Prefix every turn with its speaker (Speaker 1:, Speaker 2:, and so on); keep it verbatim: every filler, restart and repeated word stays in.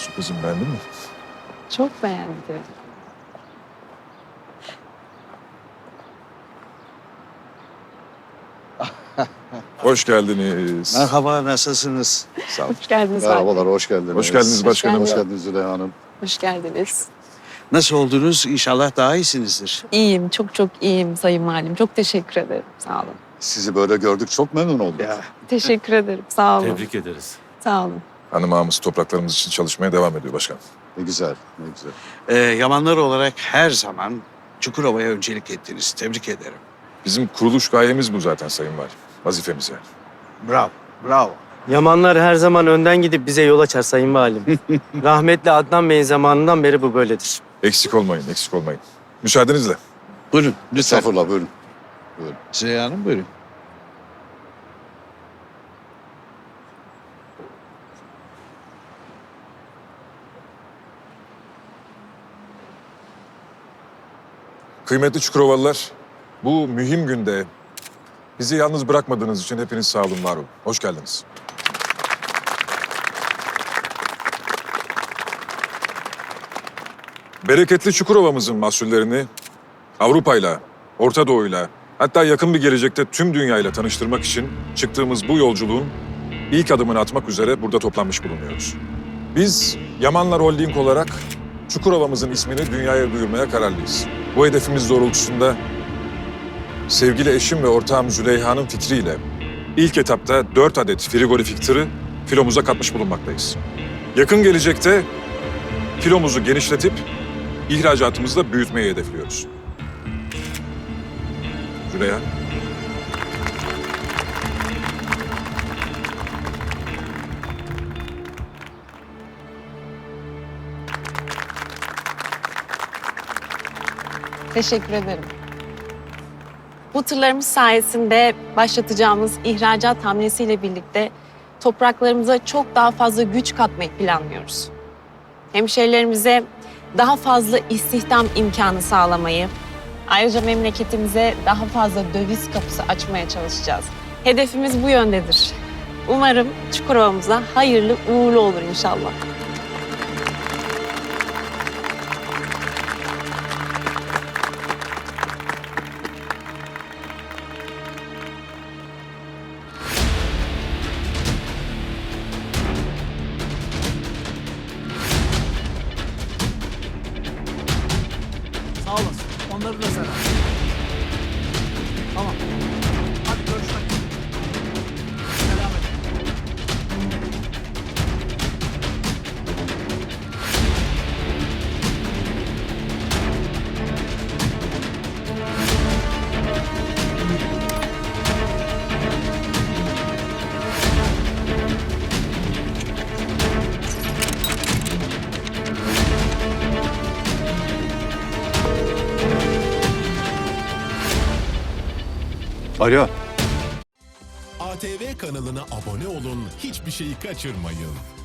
Speaker 1: Sürprizim beğendin mi?
Speaker 2: Çok beğendim.
Speaker 1: Hoş geldiniz.
Speaker 3: Merhaba, nasılsınız?
Speaker 1: Sağ olun.
Speaker 2: Hoş geldiniz.
Speaker 4: Merhabalar, hoş geldiniz.
Speaker 1: Hoş geldiniz başkanım.
Speaker 4: Hoş geldiniz Züleyha Hanım.
Speaker 2: Hoş geldiniz.
Speaker 3: Nasıl oldunuz? İnşallah daha iyisinizdir.
Speaker 2: İyiyim, çok çok iyiyim Sayın Valim. Çok teşekkür ederim. Sağ olun.
Speaker 4: Sizi böyle gördük, çok memnun olduk.
Speaker 3: Ya,
Speaker 2: Teşekkür ederim. Sağ olun.
Speaker 5: Tebrik ederiz.
Speaker 2: Sağ olun.
Speaker 1: Hanım ağamız topraklarımız için çalışmaya devam ediyor başkanım.
Speaker 4: Ne güzel, ne güzel.
Speaker 3: e, Yamanlar olarak her zaman Çukurova'ya öncelik ettiniz. Tebrik ederim.
Speaker 1: Bizim kuruluş gayemiz bu zaten Sayın Valim. Vazifemiz yani.
Speaker 3: Bravo, bravo.
Speaker 6: Yamanlar her zaman önden gidip bize yol açar Sayın Valim. Rahmetli Adnan Bey'in zamanından beri bu böyledir.
Speaker 1: Eksik olmayın, eksik olmayın. Müsaadenizle.
Speaker 3: Buyurun, lütfen.
Speaker 4: Estağfurullah, buyurun. Buyurun.
Speaker 3: Züleyha Hanım, buyurun.
Speaker 1: Kıymetli Çukurovalılar, bu mühim günde bizi yalnız bırakmadığınız için hepiniz sağ olun, var olun. Hoş geldiniz. Bereketli Çukurova'mızın mahsullerini Avrupa'yla, Orta Doğu'yla, hatta yakın bir gelecekte tüm dünyayla tanıştırmak için çıktığımız bu yolculuğun ilk adımını atmak üzere burada toplanmış bulunuyoruz. Biz Yamanlar Holding olarak Çukurova'mızın ismini dünyaya duyurmaya kararlıyız. Bu hedefimiz doğrultusunda sevgili eşim ve ortağım Züleyha'nın fikriyle ilk etapta dört adet frigorifik tırı filomuza katmış bulunmaktayız. Yakın gelecekte filomuzu genişletip ihracatımızı da büyütmeyi hedefliyoruz. Züleyha.
Speaker 2: Teşekkür ederim. Bu tırlarımız sayesinde başlatacağımız ihracat hamlesiyle birlikte topraklarımıza çok daha fazla güç katmayı planlıyoruz. Hemşehrilerimize daha fazla istihdam imkanı sağlamayı, ayrıca memleketimize daha fazla döviz kapısı açmaya çalışacağız. Hedefimiz bu yöndedir. Umarım Çukurova'mıza hayırlı uğurlu olur inşallah.
Speaker 5: Sağ olasın. Onları da selam. Tamam. Hadi görüşmek üzere. Selamet.
Speaker 4: Alo.
Speaker 7: A T V kanalına abone olun, hiçbir şeyi kaçırmayın.